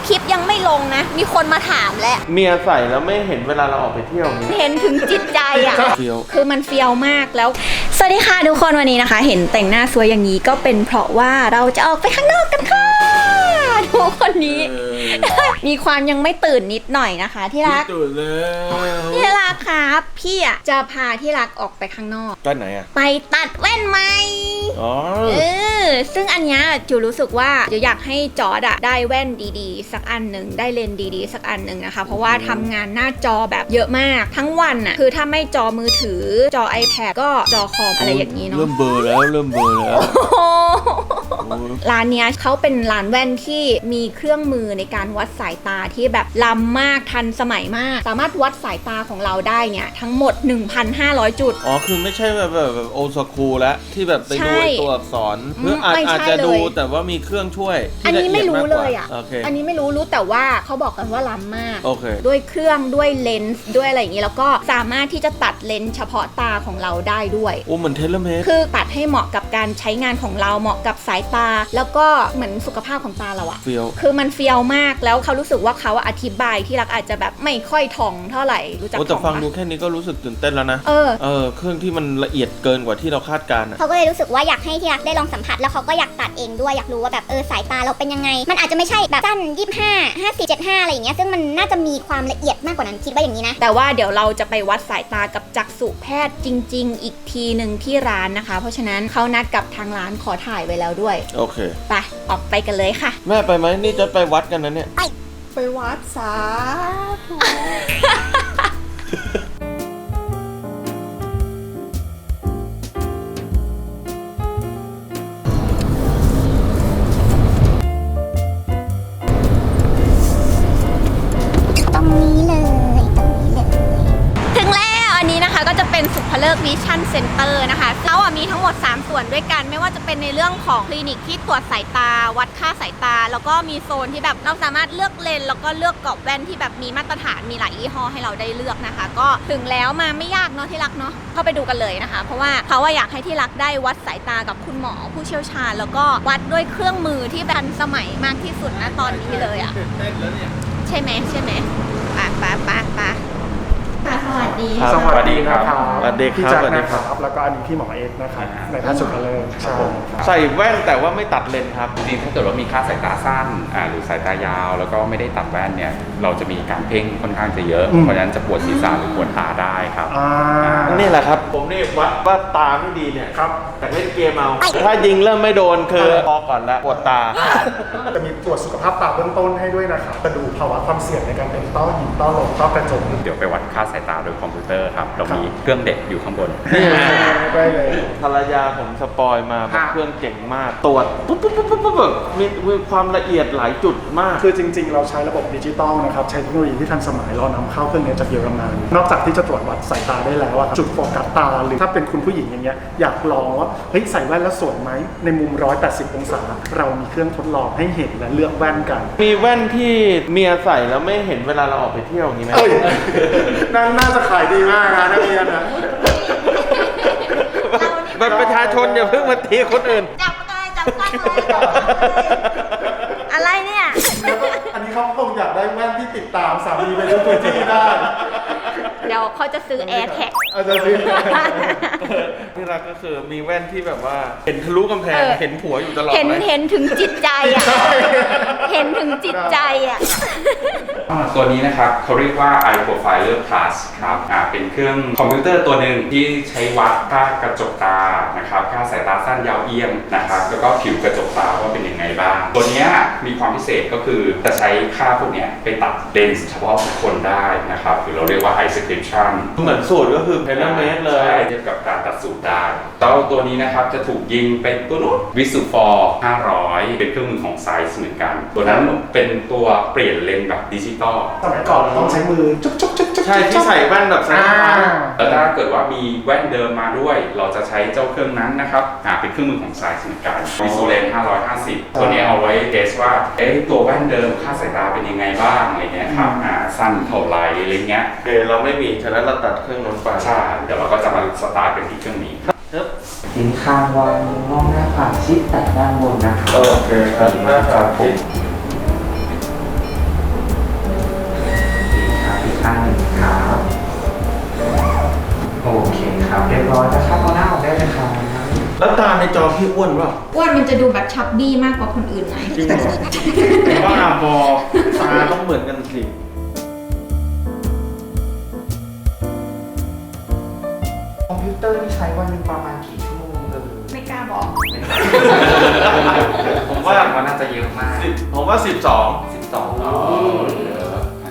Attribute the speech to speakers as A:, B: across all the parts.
A: คลิปยังไม่ลงนะมีคนมาถามแล้ว
B: เมียใส่แล้วไม่เห็นเวลาเราออกไปเที่ยวนี้
A: เห็นถึงจิตใจอ่ะคือมันเฟี้ยวมากแล้วสวัสดีค่ะทุกคนวันนี้นะคะเห็นแต่งหน้าสวยอย่างนี้ก็เป็นเพราะว่าเราจะออกไปข้างนอกกันค่ะทุกคนนี้มีความยังไม่ตื่นนิดหน่อยนะคะที่รัก
B: ตื่นเลย
A: ที่รักครับพี่อ่ะจะพาที่รักออกไปข้างนอก
B: ไปไหนอ่ะ
A: ไปตัดแว่นใหม่ซึ่งอันเนี้ยจูรู้สึกว่าจะอยากให้จอร์ดอะได้แว่นดีๆสักอันหนึ่งได้เลนส์ดีๆสักอันหนึ่งนะคะเพราะว่าทำงานหน้าจอแบบเยอะมากทั้งวันอะคือถ้าไม่จอมือถือจอ iPad ก็จอคอมอะไรอย่างนี้เนาะ
B: เริ่มเบลอแล้ว
A: ร้านเนี้ยเขาเป็นร้านแว่นที่มีเครื่องมือในการวัดสายตาที่แบบล้ำมากทันสมัยมากสามารถวัดสายตาของเราได้เนี่ยทั้งหมด 1,500 จุด
B: อ๋อคือไม่ใช่แบบโอสคูลแล้วที่แบบไปดูตัวอักษรเพื่ออาจจะดูแต่ว่ามีเครื่องช่วย
A: อันนี้ไม่รู้เลยอ่ะ
B: okay.
A: อันนี้ไม่รู้แต่ว่าเขาบอกกันว่าล้ำมาก
B: okay.
A: ด้วยเครื่องด้วยเลนส์ด้วยอะไรอย่างนี้แล้วก็สามารถที่จะตัดเลนส์เฉพาะตาของเราได้ด้วย
B: โอ้เหมือนเทเลเมต
A: คือตัดให้เหมาะกับการใช้งานของเราเหมาะกับสายตาแล้วก็เหมือนสุขภาพของตาเราอะคือมันเฟี้ยวมากแล้วเขารู้สึกว่าเขาอธิบายที่รักอาจจะแบบไม่ค่อยถ่องเท่าไหร่รู้จักถ่อง
B: แต่ฟังดูแค่นี้ก็รู้สึกตื่นเต้นแล้วนะเครื่องที่มันละเอียดเกินกว่าที่เราคาดการณ์
C: เขาก็เลยรู้สึกว่าอยากให้ที่รักได้ลองสัมผัสแล้วเขาก็อยากตัดเองด้วยอยากรู้ว่าแบบสายตาเราเป็นยังไงมันอาจจะไม่ใช่แบบสั้น25 54 75อะไรอย่างเงี้ยซึ่งมันน่าจะมีความละเอียดมากกว่านั้นคิดว่าอย่างนี้นะ
A: แต่ว่าเดี๋ยวเราจะไปวัดสายตากับจักษุแพทย์จริงๆอีกทีหนึ่งที่ร้านนะคะเพราะฉะนั้นเขานัดกับทางร้านขอถ่ายไว้แล้วด้วย
B: โอเค
A: ไปออกไปกันเลยค่ะ
B: แม่ไปไหมนี่จะไปวัดกันนะเนี่ย
A: ไปวัดสาธุก็จะเป็นสุภเลิกวิชั่นเซ็นเตอร์นะคะแล้วมีทั้งหมด3ส่วนด้วยกันไม่ว่าจะเป็นในเรื่องของคลินิกที่ตรวจสายตาวัดค่าสายตาแล้วก็มีโซนที่แบบเราสามารถเลือกเลนส์แล้วก็เลือกกรอบแว่นที่แบบมีมาตรฐานมีหลายยี่ห้อให้เราได้เลือกนะคะก็ถึงแล้วมาไม่ยากเนาะที่รักเนาะเข้าไปดูกันเลยนะคะเพราะว่าเขาอยากให้ที่รักได้วัดสายตากับคุณหมอผู้เชี่ยวชาญแล้วก็วัดด้วยเครื่องมือที่ทันสมัยมากที่สุดนะตอนนี้เลยอ่ะใช่ไหมปะสวัสดี
D: สวัสดีครับ
B: สวัสดีครับ
D: แล้วก็อันนี้พี่หมอเอกนะครับในแพทย์สุขเลิศ
B: ใส่แว่นแต่ว่าไม่ตัดเลนครับ
E: จริงๆถ้าเกิดว่ามีค่าสายตาสั้นหรือสายตายาวแล้วก็ไม่ได้ตัดแว่นเนี่ยเราจะมีการเพ่งค่อนข้างจะเยอะเพราะฉะนั้นจะปวดศีรษะหรือปวดตาได้ครับ
B: นี่แหละครับผมนี่วัดว่าตาไม่ดีเนี่ยครับแต่เล่นเกมเอาถ้ายิงเริ่มไม่โดนคือพอก่อนแล้วปวดตา
D: จะมีตรวจสุขภาพตาเบื้องต้นให้ด้วยนะครับจะดูภาวะความเสี่ยงในการเป็นต้อหินต้อลมต้อกระจก
E: เดี๋ยวไปวัดค่าสายตาโดยคอมพิวเตอร์ครับเรามีเครื่องเด็กอยู่ข้างบน
D: ได้เลย
B: ภรรยาผมสปอยมาเครื่องเก่งมากตรวจปุ๊บแบบมีความละเอียดหลายจุดมาก
D: คือจริงๆเราใช้ระบบดิจิตอลนะครับใช้เทคโนโลยีที่ทันสมัยเรานำเข้าเครื่องนี้จากเยอรมันนอกจากที่จะตรวจวัดสายตาได้แล้วจุดโฟกัสตาหรือถ้าเป็นคุณผู้หญิงอย่างเงี้ยอยากลองว่าเฮ้ยใส่แว่นแล้วสวยไหมในมุม180องศาเรามีเครื่องทดลองให้เห็นและเลือกแว่นกัน
B: มีแว่นที่เมียใส่แล้วไม่เห็นเวลาเราออกไปเที่ยวอย่างนี้ไหม
D: น่าจะขายดีมากนะนักเรียนนะ
B: แบบประชาชนอย่าเพิ่งมาตีคนอื่น
A: จับอะไรเนี่ย
D: อันนี้เขาคงอยากได้แว่นที่ติดตามสามีไปทุกพื้นที่ได้
A: เดี๋ยวเขาจะซื้อ AirTag
D: จะซื้อ
B: ที่รักก็คือมีแว่นที่แบบว่าเห็นทะลุกำแพงเห็นผัวอยู่ตลอด
A: เห็นถึงจิตใจอ่ะเห็นถึงจิตใจอ่ะ
E: ตัวนี้นะครับเขาเรียกว่า Eye Profiler Plus ครับเป็นเครื่องคอมพิวเตอร์ตัวหนึ่งที่ใช้วัดค่ากระจกตานะครับค่าสายตาสั้นยาวเอียงนะครับแล้วก็ผิวกระจกตาว่าเป็นยังไงบ้างตัวนี้มีความพิเศษก็คือจะใช้ค่าพวกนี้ไปตัดเลนส์เฉพาะบุคคลได้นะครับหรือเราเรียกว่า Eye Description
B: เหมือนสูตรก็คือเพนเมตรเลย
E: เทียบกับการตัดสูตรได้ตัวนี้นะครับจะถูกยิงเป็นตัวนู้นวิสุฟอร์500เป็นเครื่องมือของไซส์เหมือนกันตัวนั้นเป็นตัวเปลี่ยนเลนส์แบบดิจิตอล
D: สมัยก่อนต้องใช้มือจุ๊บ
B: ใช่ที่ใส่แว่นแบบใส่
E: แล้วถ้าเกิดว่ามีแว่นเดิมมาด้วยเราจะใช้เจ้าเครื่องนั้นนะครับเป็นเครื่องมือของไซส์เหมือนกันวิสุเลน550ตัวนี้เอาไว้เทสว่าตัวแว่นเดิมค่าสายตาเป็นยังไงบ้างอะไรเงี้ยครับสั้นเท่าไรอะไรเงี้ย
B: เราไม่มีฉะนั้นเราตัดเครื่องนั้นไป
E: ใช่เดี๋ยวเราก็จะมาสตาร์ทกันที่เครื่องนี้
F: ทิ้งคางวางมองหน้าผากชิดแต่ด้านบนนะครับ
B: โอเคครับหน้าผากชิดตาในจอพี่อ้วนเปล่า
A: อ้วนมันจะดูแบบชับบี้มากกว่าคนอื่นหน่อย
B: จริงเหรอบ้าบอตาต้องเหมือนกันสิ
F: คอมพิวเตอร์ที่ใช้วันหนึงประมาณกี่ชั่วโมงเลย
A: ไม่กล้าบอก
E: ผมว่า
F: ว่าน่าจะเยอะมาก
B: ผมว่า 12
F: 12
E: อ๋อเยอะอ่า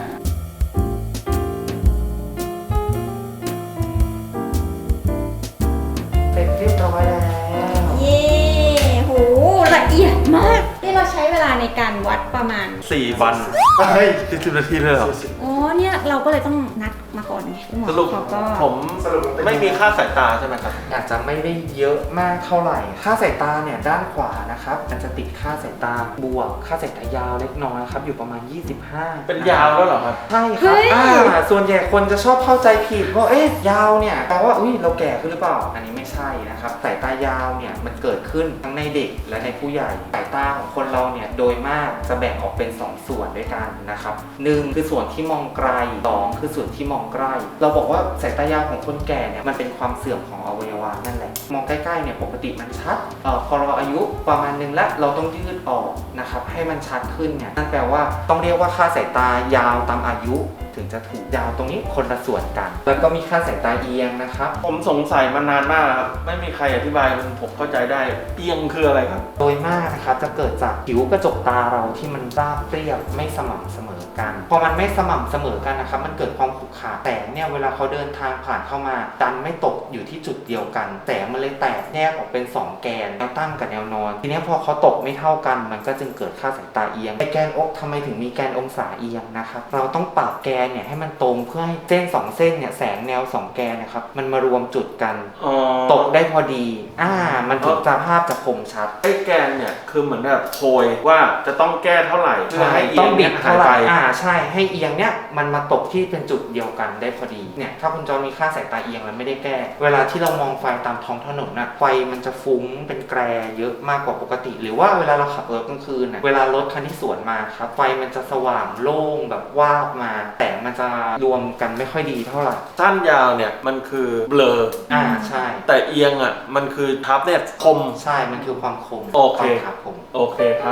F: เสร็จเรียบร้อยแล้ว
A: เย้โหละเอียดมากนี่เราใช้เวลาในการวัดประมาณ
B: 4 วัน
D: เฮ้ย
B: 10 นาทีเลยเหรอ
A: อ๋อเนี่ยเราก็เลยต้องนัดมาก่อนไงหมอ
B: สรุป
A: เขาก็
B: ผมไม่มีค่าสายตาใช่ไหมครับ
F: อาจจะไม่ได้เยอะมากเท่าไหร่ ค่าสายตาเนี่ยด้านขวานะครับมันจะติดค่าสายตาบวก ค่าสายตายาวเล็กน้อยครับอยู่ประมาณ 25
B: เป็นยาวแล้วเหรอครับ
F: ใช่ครับส่วนใหญ่คนจะชอบเข้าใจผิดว่าเอ๊ะยาวเนี่ยแปลว่าอุ้ยเราแก่ขึ้นหรือเปล่าอันนี้ไม่ใช่นะครับสายตายาวเนี่ยมันเกิดขึ้นทั้งในเด็กและในผู้ใหญ่สายตาของคนเราเนี่ยโดยมากจะแบ่งออกเป็น2ส่วนด้วยกันนะครับ1คือส่วนที่มองไกล2คือส่วนที่มองใกล้เราบอกว่าสายตายาวของคนแก่เนี่ยมันเป็นความเสื่อมของอวัยวะนั่นแหละมองใกล้ๆเนี่ยปกติมันชัดพอเราอายุประมาณนึงแล้วเราต้องยืดออกนะครับให้มันชัดขึ้นเนี่ยนั่นแปลว่าต้องเรียกว่าค่าสายตายาวตามอายุถึงจะถูกยาวตรงนี้คนละส่วนกันแล้วก็มีค่าสายตาเอียงนะครับ
B: ผมสงสัยมานานมากแล้วครับ ไม่มีใครอธิบายผมเข้าใจได้ เอียงคืออะไรครับ
F: โดยมากนะครับจะเกิดจากผิวกระจกตาเราที่มันราบเรียบไม่สม่ำเสมอกันพอมันไม่สม่ำเสมอกันนะครับมันเกิดความขรุขระแสงเนี่ยเวลาเขาเดินทางผ่านเข้ามาดันไม่ตกอยู่ที่จุดเดียวกันแสงมันเลยแตกแยกออกเป็น2แกนแนวตั้งกับแนวนอนทีนี้พอเขาตกไม่เท่ากันมันก็จึงเกิดค่าสายตาเอียงไอแกนอกทำไมถึงมีแกนองศาเอียงนะครับเราต้องปรับแกนเนี่ยให้มันตรงเพื่อให้เส้น2เส้นเนี่ยแสงแนว2แกนนะครับมันมารวมจุดกัน
B: อ๋อ
F: ตกได้พอดีมันถึงจะภาพจะคมชัด
B: ไอ้แกนเนี่ยคือเหมือนแบบโพยว่าจะต้องแก้เท่าไหร่เพื่อให้เอี
F: ต้
B: ย
F: อง ง
B: เนี่
F: บิ
B: ย
F: ด
B: หาย
F: เท่าไห
B: ไป
F: ร่ใช่ให้เอียงเนี่ยมันมาตกที่เป็นจุดเดียวกันได้พอดีเนี่ยถ้าคุณจอมีค่าสายตาเอียงแล้วไม่ได้แก้เวลาที่เรามองไฟตามท้องถนนน่ะไฟมันจะฟุ้งเป็นแกรเยอะมากกว่าปกติ หรือว่าเวลาเราขับรถกลางคืนน่ะเวลารถคันที่สวนมาครับไฟมันจะสว่างโล่งแบบวาบมาแต่มันจะรวมกันไม่ค่อยดีเท่าไหร่
B: สั้นยาวเนี่ยมันคือเบลอ
F: ใช่
B: แต่เอียงอ่ะมันคือทับเนี่ยคม
F: ใช่มันคือความคม
B: โอเค
F: ครับผม
B: โอเคครับ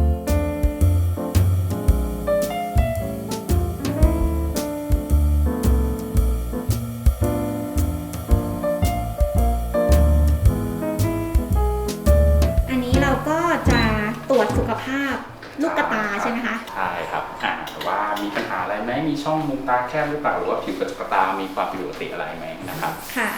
A: อันนี้เราก็จะตรวจสุขภาพลูกกระตาใช่ไหมคะ
E: ใช่ครับแต่ว่ามีปัญหาอะไรไหมมีช่องมุมตาแคบหรือเปล่าหรือว่าผิวกระจกตามีความผิดปกติอะไรไหมนะครับ
A: ค่ะ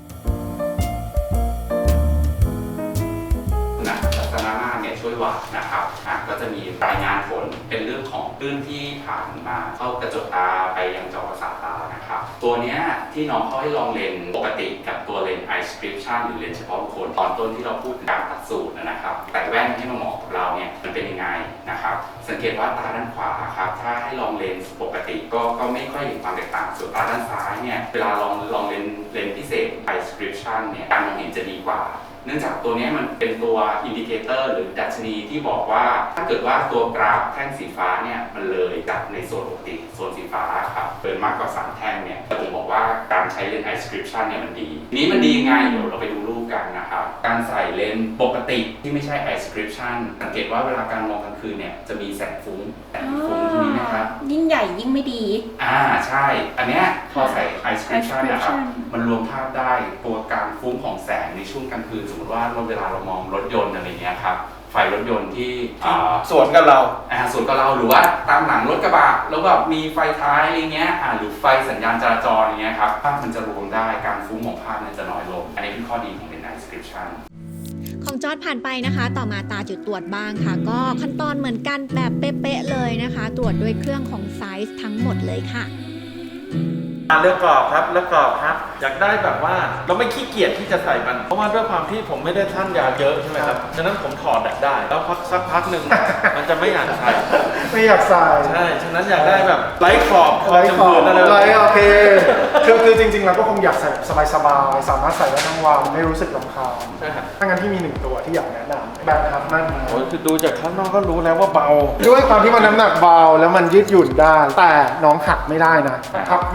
E: ลักษณะหน้าเนี่ยช่วยวัดนะครับก็จะมีรายงานผลเป็นเรื่องของคลื่นที่ผ่านมาเข้ากระจกตาไปยังจอประสาทตานะครับตัวเนี้ยที่น้องเขาให้ลองเลนส์ปกติกับตัวเลนส์ eye prescription หรือเลนส์เฉพาะบุคคลตอนต้นที่เราพูดถึงการตัดสูตรนะครับแต่แว่นให้มาเหมาะกับเราเนี่ยมันเป็นยังไงนะครับสังเกตว่าตาด้านขวาครับถ้าให้ลองเลนส์ปกติก็ไม่ค่อยเห็นความแตกต่างส่วนตาด้านซ้ายเนี่ยเวลาลองเลนส์พิเศษ eye prescription เนี่ยการมองเห็นจะดีกว่าเนื่องจากตัวนี้มันเป็นตัวอินดิเคเตอร์หรือดัชนีที่บอกว่าถ้าเกิดว่าตัวกราฟแท่งสีฟ้าเนี่ยมันเลยจากในโซนปกติโซนสีฟ้าครับเกินมากกว่า3แท่งเนี่ยจะผมบอกว่าการใช้เลนส์ eye prescription เนี่ยมันดีนี้มันดียังไงเดี๋ยวเราไปดูรูปกันนะครับการใส่เลนส์ปกติที่ไม่ใช่ eye prescription สังเกตว่าเวลาการมองกลางคืนเนี่ยจะมีแสงฟุ้งที่นี่นะครับ
A: ยิ่งใหญ่ยิ่งไม่ดี
E: ใช่อันเนี้ยพอใส่ eye prescription นะครับ
A: prescription
E: มันรวมภาพได้ตัวการฟุ้งของแสงในช่วงกลางคืนสมมติว่าเวลาเรามองรถยนต์อะไรเงี้ยครับไฟรถยนต์ที่
B: สวนกับเรา
E: สวนกับเราหรือว่าตามหลังรถกระบะแล้วแบบมีไฟท้ายอะไรเงี้ยหรือไฟสัญญาณจราจรอย่างเงี้ยครับภาพมันจะรวมได้การฟุ้งของภาพเนี่ยจะน้อยลงอันนี้เป็นข้อดีของเลนส์ eye prescription
A: ของจอร์จผ่านไปนะคะ ต่อมาตาจุดตรวจบ้างค่ะ ก็ขั้นตอนเหมือนกันแบบเป๊ะๆเลยนะคะ ตรวจด้วยเครื่องของไซส์ทั้งหมดเลยค่ะ
B: เลือกกรอบครับเลือกกรอบครับอยากได้แบบว่าเราไม่ขี้เกียจที่จะใส่มันเพราะว่าด้วยความที่ผมไม่ได้ท่านยาวเยอะใช่ไหมครับฉะนั้นผมถอดได้แล้วสักพักหนึ่ง มันจะไม่อยากใส่
D: ไม่อยากใส่
B: ใช่ฉะนั้นอยากได้แบบไร้ขอบคอ
D: ไร้
B: จ
D: ขอบ
B: มูกอะไรแบบ
D: ไร้
B: นี้
D: โอเคคือจริงๆเราก็คงอยากใส่สบายๆสามารถใส่ได้ทั้งวันไม่รู้สึกรำคาญ
B: ใช่ครับ
D: ถ้างั้นที่มี1ตัวที่อยากแนะนำแบรนด์ครับนั่น
B: โอ้ยคือดูจากข้างนอกก็รู้แล้วว่าเบา
D: ด้วยความที่มันน้ำหนักเบาแล้วมันยืดหยุ่นได้แต่น้องหักไม่ได้นะหักไม่ได้ต้อง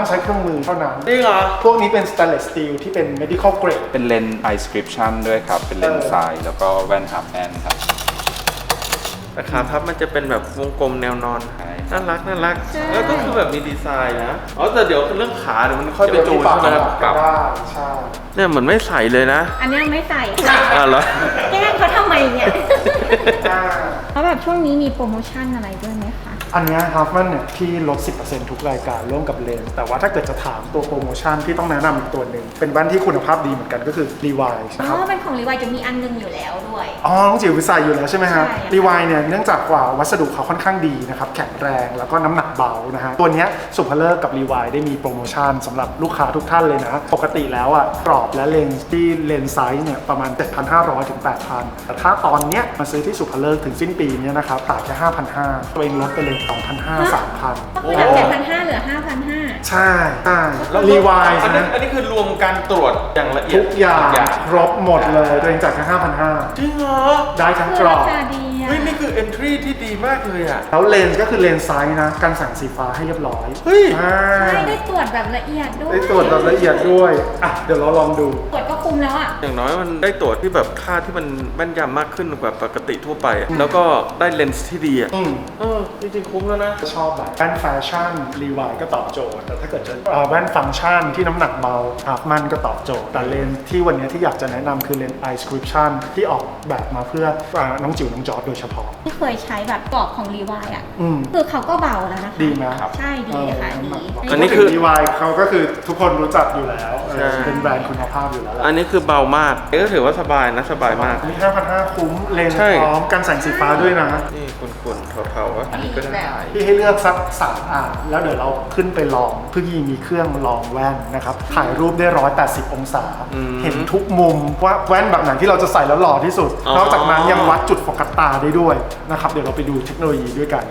D: ต้องใช้เครื่องมือเท่านั้น
B: จริงเหรอ
D: พวกนี้เป็น stainless steel ที่เป็น medical grade
E: เป็นเลนส์ eye description ด้วยครับ เป็นเลนส์ทรายแล้วก็แว่นฮาร์ฟแอนครับ
B: แต่ขาพับมันจะเป็นแบบวงกลมแนวนอน
E: ใช่
B: น่ารักน่ารักแล้วก็คือแบบมีดีไซน์นะอ๋อแต่เดี๋ยวเรื่องขาเดี๋ยวมันค่อยไปจูนใช่ไหมครับ
D: ปรับได้ใช่
B: เนี่ยเหมือนไม่ใส่เลยนะ
A: อันนี้ไม่ใส่
B: อ่ะเหรอ
A: แกล้งเขาทำไมเนี่ย
D: อ่า
A: แล้วแบบช่วงนี้มีโปรโมชั่นอะไรด้วยไหมคะ
D: อันเนี้ฮัฟมันเนี่ยที่ลด 10% ทุกรายการร่วมกับเลนส์แต่ว่าถ้าเกิดจะถามตัวโปรโมชั่นที่ต้องแนะนำอีกตัวหนึ่งเป็นแว่นที่คุณภาพดีเหมือนกันก็คือ Levi's
A: อ๋
D: นะครับ
A: อ เป็นของรีวายจะมีอันนึงอยู่แล้วด้วย
D: อ๋อน้องจิ๋วใส่อยู่แล้วใช่ไหมฮะ
A: ใช่ค่ะ
D: รีวายเนี่ยเนื่องจากว่าวัสดุเขาค่อนข้างดีนะครับแข็งแรงแล้วก็น้ำหนักเบานะฮะตัวเนี้ยสุภเลิกกับรีวายได้มีโปรโมชั่นสำหรับลูกค้าทุกท่านเลยนะ ปกติแล้วอ่ะกรอบและเลนส์ที่เลนส์ไซส์เนี่ยประมาณ 7,500 ถึง 8,000 แต่ถ้าตอนเนี้ยมาซื้อที่สุภเลิกถึงสิ้นปีเนี้ยนะครับต่างแค่ 5,500 ตัวเองลดไปเลย 2,500 3,000
A: ก็คือจาก7,500เหลือ 5,500
D: ใช่ใช่รีวาย
B: อันนี้
D: นะ
B: อันนี้คือรวมการตรวจอย่างละเอียด
D: ทุกอย่างครบหมดเลยตัวเองจ่ายแค่ 5,500
B: จริงเหรอ
D: ได้ทั้ง
A: คื
D: ก
A: อ
D: รอ
A: รา
D: บ
A: คาดีอ่ะ
B: เฮ้ยนี่คือ entry ที่ดีมากเลยอ่ะ
D: แล้วเลนส์ก็คือเลนส์ไซส์นะกันแสงสีฟ้าให้เรียบร้อย
B: เฮ้ย
D: อ่า
A: ใช่ได้ตรวจแบบละเอียดด้วย
D: ได้ตรวจแบบละเอียดด้วยอ่ะเดี๋ยวเราลองดู
A: ตรวจก็คุ้มแล้วอ่ะ
B: อย่างน้อยมันได้ตรวจที่แบบค่าที่มันแม่นยำมากขึ้นกว่าปกติทั่วไปอะแล้วก็ได้เลนส์ที่ดีอ่ะ จริงๆคุ้มแล้วนะ
D: ชอบแบบแว่นแฟชั่นรีวายก็ตอบโจทย์แต่ถ้าเกิดจะแว่นฟังก์ชันที่น้ำหนักเบามันก็ตอบโจทย์แต่เลนส์ที่วันนี้ที่อยากจะแนะนำคือเลนส์ Eye Description ที่ออกแบบมาเพื่อน้องจิ๋วน้องจอร์ดโดยเฉพาะ
A: ที่เคยใช้แบบกรอบของรีวายอ่ะ
D: อืม
A: คือเขาก็เบาแล้วนะคะ
D: ดีไหม
A: ใช่ดีค่ะดี
B: อันนี้คือ
D: รีวายเขาก็คือทุกคนรู้จักอยู่แล้ว
B: ใช่
D: เป็นแบรนด์คุณภาพอยู่แล้วแหละ
B: อันนี้คือเบามากก็ถือว่าสบายนะสบายมาก
D: มี 5,500 คุ้มเลนส์
B: ใช่
D: พร้อมกันแสงสีฟ้าด้วยนะ
B: นี่คุณๆเทาๆวะ
A: อันนี้ก็ได้
D: พี่ให้เลือกสัก3อ่านแล้วเดี๋ยวเราขึ้นไปลองพี่มีเครื่องลองแว่นนะครับถ่ายรูปได้180 องศา เห็นทุกมุมว่าแว่นแบบไหนที่เราจะใส่แล้วหล่อที่สุด นอกจากนั้นยังวัดจุดโฟกัสตาได้ด้วยนะครับเดี๋ยวเราไปดูเทคโนโลยีด้วยกัน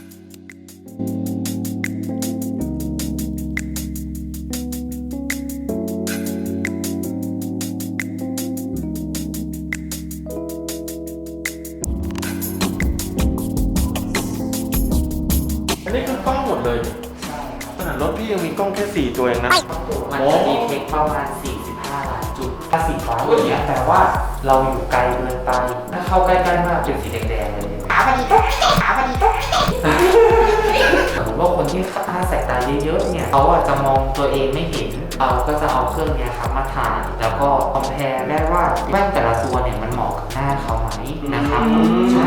B: อันนี้คือกล้องหมดเลยขนาดรถพี่ยังมีกล้องแค่4ตัวเองนะ
F: มันจะดีเทคประมาณ 45 ล้านจุด ถ้าสีฟ้าอย่างเงี้ยแปลว่าเราอยู่ไกลเกินไป ถ้าเข้าใกล้ๆมากเป็นสีแดงๆเลยขาพอดีตุ๊กขาพอดีตุ๊กสมมติว่าคนที่ค่าสายตาเยอะๆเนี่ยเขาอาจจะมองตัวเองไม่เห็นเราก็จะเอาเครื่องเนี้ยครับมาถ่ายแล้วก็คอมเพลได้ว่าแว่นแต่ละตัวเนี่ยมันเหมาะกับหน้าเขาไหมนะครับใช่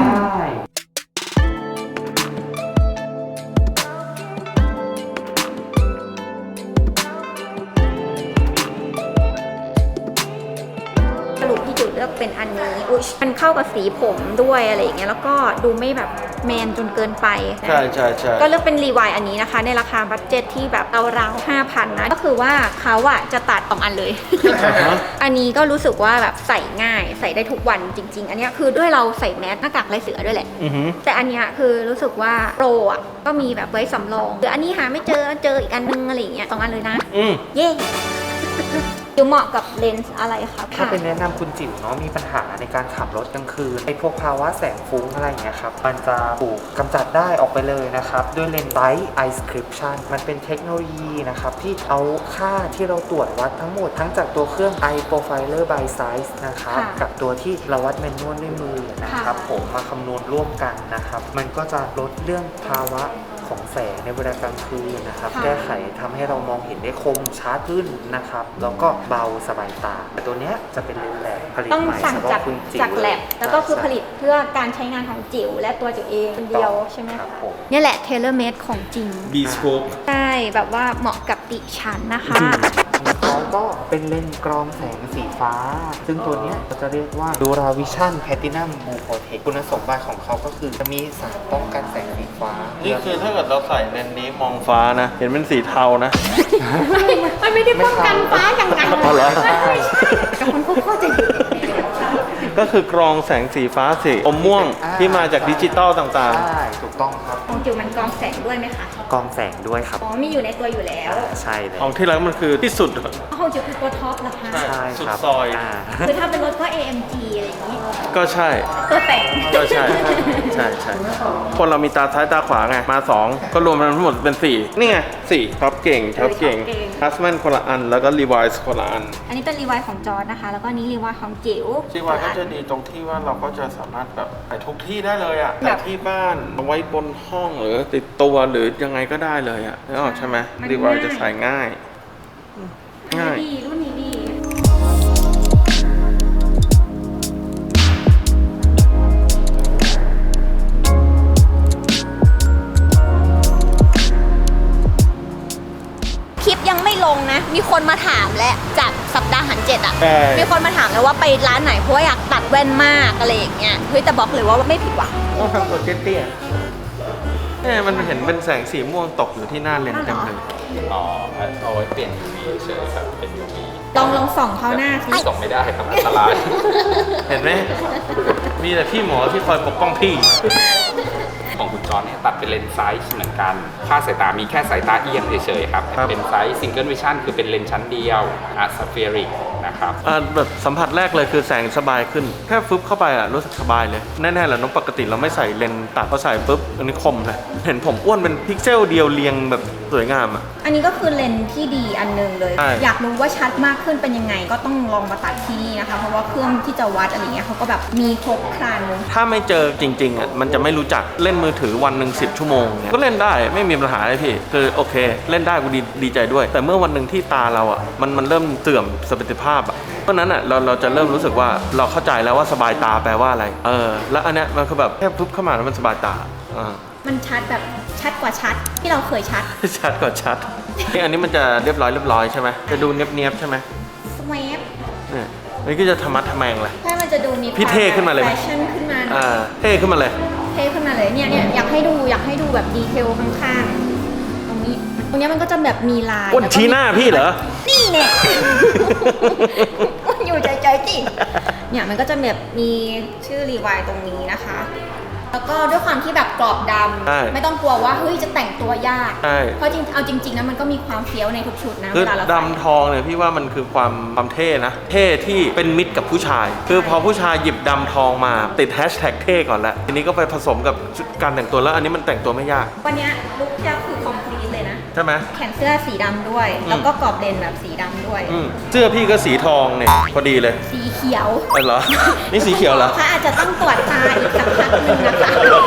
A: สรุปพี่จุดเลือกเป็นอันนี้อุ๊ยมันเข้ากับสีผมด้วยอะไรอย่างเงี้ยแล้วก็ดูไม่แบบแมนจนเกินไปนะ
B: ใช่ใช่ใช่
A: ก็เลือกเป็นรีวายอันนี้นะคะ ในราคาบัตเจ็ตที่แบบราวๆ 5,000 นะ ก็คือว่าเขาอะจะตัด2อันเลย อันนี้ก็รู้สึกว่าแบบใส่ง่ายใส่ได้ทุกวันจริง ๆ อันเนี้ยคือด้วยเราใส่แมสหน้ากากลายเสือด้วยแหละ แต่อันเนี้ยคือรู้สึกว่าโปรอะก็มีแบบไว้สำรองหรืออันนี้หาไม่เจออีกอันนึงอะไรอย่างเงี้ย2อันเลยนะ เย้อยู่เหมาะกับเลนส์อะไรคะ
F: ถ้าเป็นแนะนำคุณจิ๋วเนาะมีปัญหาในการขับรถกลางคืนไอ้พวกภาวะแสงฟุ้งอะไรอย่างเงี้ยครับมันจะถูกกำจัดได้ออกไปเลยนะครับด้วยเลนส์ Bright Eye Description มันเป็นเทคโนโลยีนะครับที่เอาค่าที่เราตรวจวัดทั้งหมดทั้งจากตัวเครื่อง Eye Profiler by Size นะครับกับตัวที่เราวัดแมนนวลด้วยมือนะครับผมมาคำนวณร่วมกันนะครับมันก็จะลดเรื่องภาวะของแสงในเวลากลางคืนนะครับแก้ไขทำให้เรามองเห็นได้คมชัดขึ้นนะครับแล้วก็เบาสบายตาแต่ตัวเนี้ยจะเป็นเลนส์แลบผลิต
A: ต้อง
F: ใหม่
A: สั่ง
F: เฉพาะ
A: จาก
F: คุณจิ๋ว
A: จากแลบแล้วก็คือผลิตเพื่อการใช้งานของจิ๋วและตัวจิ๋วเองคนเดียวใช่ไหม
F: ครับผม
A: เนี่ยแหละเทเลเมดของจริง
B: บีสโคป
A: ใช่แบบว่าเหมาะกับดิฉันนะคะ
F: เขาก็เป็นเลนส์กรองแสงสีฟ้า ซึ่งตัวเนี้ยเราจะเรียกว่า Dura Vision Platinum Blue Protect คุณสมบัติของเขาก็คือจะมีสารป้องกันแสงสีฟ้า
B: นี่คือถ้าเกิดเราใส่เลนส์นี้มองฟ้านะ เห็นเป็นสีเทานะ
A: มันไม่ได้ป้องกันฟ้าอย่างนั้น
B: อ๋อเหรอ
A: แต่คนก็เข้าใจผิด
B: ก็คือกรองแสงสีฟ้าสีอมม่วงที่มาจากดิจิตอลต่าง
F: ใช่ถูกต้องครับ
A: ของจิ๋วมันกรองแสงด้วยไหมคะ
F: กรองแสงด้วยครับ
A: อ๋อมีอยู่ในตัวอยู่แล้ว
F: ใช่เลย
B: ของที่รักมันคือที่สุด
A: ของจิ๋วคือตัวท็อปเหรอคะ
F: ใช่
B: สุด
F: ครับ
B: ซอย
A: คือถ้าเป็นรถก็ AMG อะไรอย่างนี้
B: ก็ใช่
A: ตัวแต่ง
B: ก็ใช่ ใช่ใช่คนเรามีตาซ้ายตาขวาไง มา 2 ก็รวมกันทั้งหมดเป็น 4 นี่ไง4ท็อปเก่งฮัสแมนคนละอัน แล้วก็รีไวซ์คนละอัน
A: อันนี้เป็นรีไวายของจอร์ดนะคะ แล้วก็นี้รีไวายของจิ๋ว
B: รีไวซ์ก็จะดีตรงที่ว่าเราก็จะสามารถแบบใส่ทุกที่ได้เลยอ่ะ
A: แบ
B: ใส่
A: บ
B: ที่บ้านเอาไว้บนห้องหรือติดตัวหรือยังไงก็ได้เลยอ่ะนึกออกใช่ไหม
A: มัน
B: รีไวซ์
A: ง่าย
B: จะใส่ง่าย ง่าย
A: ดีรุ่นนี้ดี คลิปยังไม่ลงนะ มีคนมาถามแล้วจากสัปดาห์หันเจ็ดอ่ะ
B: ใช่
A: มีคนมาถามแล้วว่าไปร้านไหนเพราะว่าอยากตัดแว่นมากอะไรอย่างเงี้ย เฮ้ยแต่บอกเลยว่าไม่ผิดหวัง
B: ต้องทำตัวเตี้ยๆมันเห็นเป็นแสงสีม่วงตกอยู่ที่หน้าเลนส์เต็มเลย
E: อ๋อเอาไว้เปลี่ยน UV เฉยๆครับเป็น UV
A: ลองส่องเข้าหน้าสิ
E: ส่งไม่ได้ครับอันตราย
B: เห็นไหม มีแต่พี่หมอที่คอยปกป้องพี่
E: ของคุณจอร์จเนี่ยตัดเป็นเลนส์ไซส์เหมือนกัน ค่าสายตามีแค่สายตาเอียงเฉยๆครับ
B: ครับ
E: เป็นไซส์ซิงเกิลวิชั่นคือเป็นเลนส์ชั้นเดียวอะสเฟียริกนะครับ
B: แบบสัมผัสแรกเลยคือแสงสบายขึ้น แค่ฟึบเข้าไปรู้สึกสบายเลย แน่ๆแหละน้องปกติเราไม่ใส่เลนส์ตัดพอใส่ปุ๊บอันนี้คมเลย เห็นผมอ้วนเป็นพิกเซลเดียวเรียงแบบสวยงามอ่ะ
A: อันนี้ก็คือเลนส์ที่ดีอันหนึงเลย
B: ใช่
A: อยากรู้ว่าชัดมากขึ้นเป็นยังไง ก็ต้องลองมาตัดที่นี่นะคะ เพราะว่าเครื่องที่จะวัดอะไรเงี้ยเขาก็แบบมีครบครัน
B: ถ้าไม่เจอจริงๆมันจะไม่รู้จักเล่นมือถือวันหนึ่ง10 ชั่วโมงเนี่ยก็เล่นได้ไม่มีปัญหาเลยพี่ คือโอเค เล่นได้กูดีใจด้วย แต่เมื่อวันหนึ่งที่ตาเรามันเริ่มเสื่อมสมรรถภาพเพราะนั้นเราจะเริ่มรู้สึกว่าเราเข้าใจแล้วว่าสบายตาแปลว่าอะไรแล้วอันเนี้ยมันคือแบบแค่ปุ๊บเข้ามาแล้วมันสบายตา
A: มันชัดแบบชัดกว่าชัดที่เราเคยชัด
B: ชัดกว่าชัดนี่อันนี้มันจะเรียบร้อยใช่ไหมจะดูเนียบๆใช่ไหม
A: สแวป
B: เนี่ยนี่ก็จะธรรมะทแมงเลย
A: ถ้ามันจะดูมี
B: พี่เท่ขึ้นมาเลยไหม
A: แฟชั่นขึ้นมา
B: เท่ขึ้นมาเลย
A: เท่ขึ้นมาเลยเนี่ยอยากให้ดูแบบดีเทลข้างๆตรงนี้มันก็จะแบบมีลาย
B: อ้วนชี้หน้าพี่เหรอ
A: นี่เนี่ยอยู่ใจจิเนี่ยมันก็จะแบบมีชื่อรีไวายตรงนี้นะคะ แล้วก็ด้วยความที่แบบกรอบด
B: ใช่
A: ำไม่ต้องกลัวว่าเฮ้ยจะแต่งตัวยาก
B: ใช่
A: เพราะเอาจริงๆนะมันก็มีความเฟี้ยวในทุกชุดนะ
B: คือ
A: เวลาเราใส่
B: ดำทองเนี่ยพี่ว่ามันคือความเท่นะ เท่ที่เป็นมิตรกับผู้ชาย คือพอผู้ชายหยิบดำทองมาติดแฮชแท็กเท่ก่อนแล้วทีนี้ก็ไปผสมกับชุดการแต่งตัวแล้วอันนี้มันแต่งตัวไม่ยาก
A: วันเนี้ยลุคที่คือคอมพลีทเลยนะ
B: ใช่ไหม
A: แขนเสื้อสีดำด้วย แล้วก็กรอบเลนแบบสีดำด้วย
B: เสื้อพี่ก็สีทองเนี่ยพอดีเลย
A: สีเขียว
B: เหรอ นี่สีเขียวเหรอ
A: ค่ะอาจจะต้องตรวจตาอีกสักพักหนึงนะคะ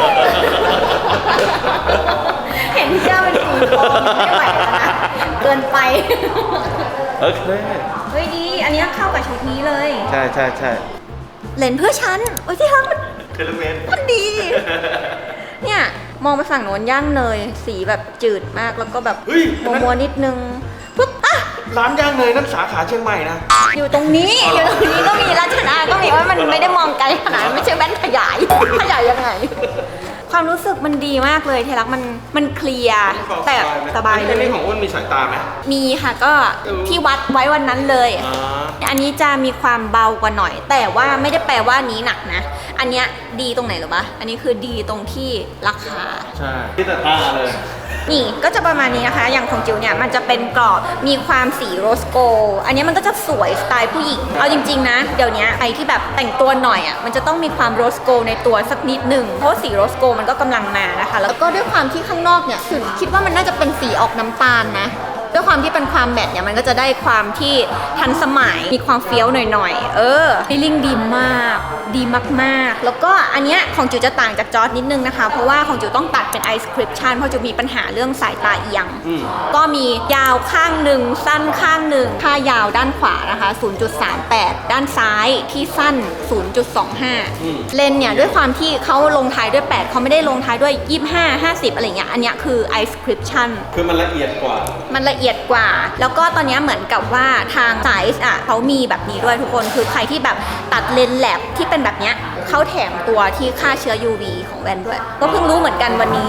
A: เห็นเสื้อเป็นสีทองไม่ไหวแล้วนะเกินไป
B: โอเค
A: เฮ้ยดี อันเนี้ยเข้ากับชุดนี้เลย
B: ใช่ใช่ใช่
A: เลนส์เพื่อฉัน โอ้ยที่รักมัน
B: เทเลเมน
A: มันดี เนี่ย มองไปฝั่งโน้นย่างเนยสีแบบจืดมากแล้วก็แบบ
B: เฮ้ย
A: มัวๆนิดนึงปุ๊บอ่ะ
B: ร้านย่างเนยนั่นสาขาเชียงใหม่นะ
A: อยู่ตรงนี้อยู่ตรงนี้ก็มีราชดาก็มีว่ามันไม่ได้มองไกลขนาดนั้นไม่ใช่แว่นขยายขยายยังไง ความรู้สึกมันดีมากเลยเทลักมันเคลียร์แต่สบายเล
B: อัน
A: ย
B: นี้ของอ้วนมีสายตาไหม
A: มีค่ะก็ที่วัดไว้วันนั้นเลย อันนี้จะมีความเบากว่าหน่อย แต่ว่าไม่ได้แปลว่านี้หนักนะ อันเนี้ยดีตรงไหนหรอปะอันนี้คือดีตรงที่ราคา
B: ใช่ที่แต่ตาเลย
A: นี่ก็จะประมาณนี้นะคะ อย่างของจิ๋วเนี่ยมันจะเป็นกรอบ มีความสีโรสโกลด์อันนี้มันก็จะสวยสไตล์ผู้หญิง เอาจริงๆนะ เดี๋ยวนี้ใครที่แบบแต่งตัวหน่อยอ่ะ มันจะต้องมีความโรสโกลด์ในตัวสักนิดหนึ่ง เพราะสีโรสโกลด์มันก็กำลังมานะคะ แล้วก็ด้วยความที่ข้างนอกเนี่ยคิดว่ามันน่าจะเป็นสีออกน้ำตาลนะ ด้วยความที่เป็นความแมทเนี่ยมันก็จะได้ความที่ทันสมัย มีความเฟี้ยวหน่อยๆฟีลลิ่งดีมาก ดีมากๆ แล้วก็อันเนี้ยของจิ๋วจะต่างจากจอร์จนิดนึงนะคะ เพราะว่าของจิ๋วต้องตัดเป็นไอสคริปชันเพราะจิ๋วมีปัญหาเรื่องสายตาเอียง ก็มียาวข้างหนึ่งสั้นข้างหนึ่งค่ายาวด้านขวานะคะ 0.38 ด้านซ้ายที่สั้น 0.25 เลนเนี่ยด้วยความที่เขาลงท้ายด้วย 8เขาไม่ได้ลงท้ายด้วย 25 50 อะไรเงี้ย อันเนี้ยคือไอสคริปชัน
B: คือมันละเอียดกว่า
A: มันละเอียดกว่า แล้วก็ตอนนี้เหมือนกับว่าทางไซส์เขามีแบบนี้ด้วยทุกคน คือใครที่แบบตัดเลนส์แลบที่เป็นแบบเนี้ยเขาแถมตัวที่ฆ่าเชื้อ UV ของแว่นด้วย ก็เพิ่งรู้เหมือนกันวันนี้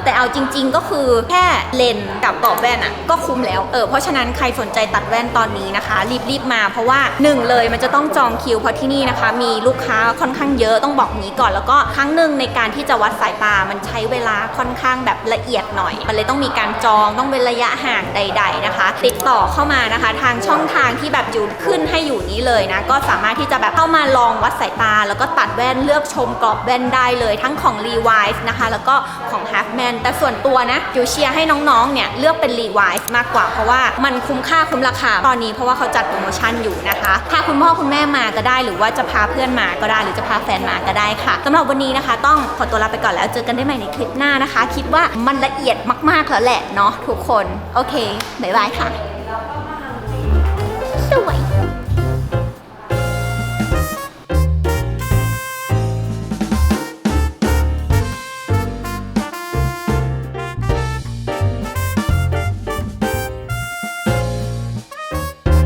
A: แต่เอาจริงๆก็คือแค่เลนส์กับกรอบแว่นอะก็คุ้มแล้วเพราะฉะนั้นใครสนใจตัดแว่นตอนนี้นะคะรีบมาเพราะว่า1เลยมันจะต้องจองคิวเพราะที่นี่นะคะมีลูกค้าค่อนข้างเยอะต้องบอกงี้ก่อนแล้วก็ครั้งหนึ่งในการที่จะวัดสายตามันใช้เวลาค่อนข้างแบบละเอียดหน่อยมันเลยต้องมีการจองต้องเป็นระยะห่างใดๆนะคะติดต่อเข้ามานะคะทางช่องทางที่แบบอยู่ขึ้นให้อยู่นี้เลยนะก็สามารถที่จะแบบเข้ามาลองวัดสายตาแล้วก็ตัดแว่นเลือกชมกรอบแว่นได้เลยทั้งของ Levi's นะคะแล้วก็ของ Halfman แต่ส่วนตัวนะอยู่เชียร์ให้น้องๆเนี่ยเลือกเป็น Levi's มากกว่าเพราะว่ามันคุ้มค่าคุ้มราคาตอนนี้เพราะว่าเขาจัดโปรโมชั่นอยู่นะคะพาคุณพ่อคุณแม่มาก็ได้หรือว่าจะพาเพื่อนมาก็ได้หรือจะพาแฟนมาก็ได้ค่ะสำหรับวันนี้นะคะต้องขอตัวลาไปก่อนแล้วเจอกันได้ใหม่ในคลิปหน้านะคะคิดว่ามันละเอียดมากๆแล้วแหละเนาะทุกคนโอเคบ๊ายบายค่ะสวย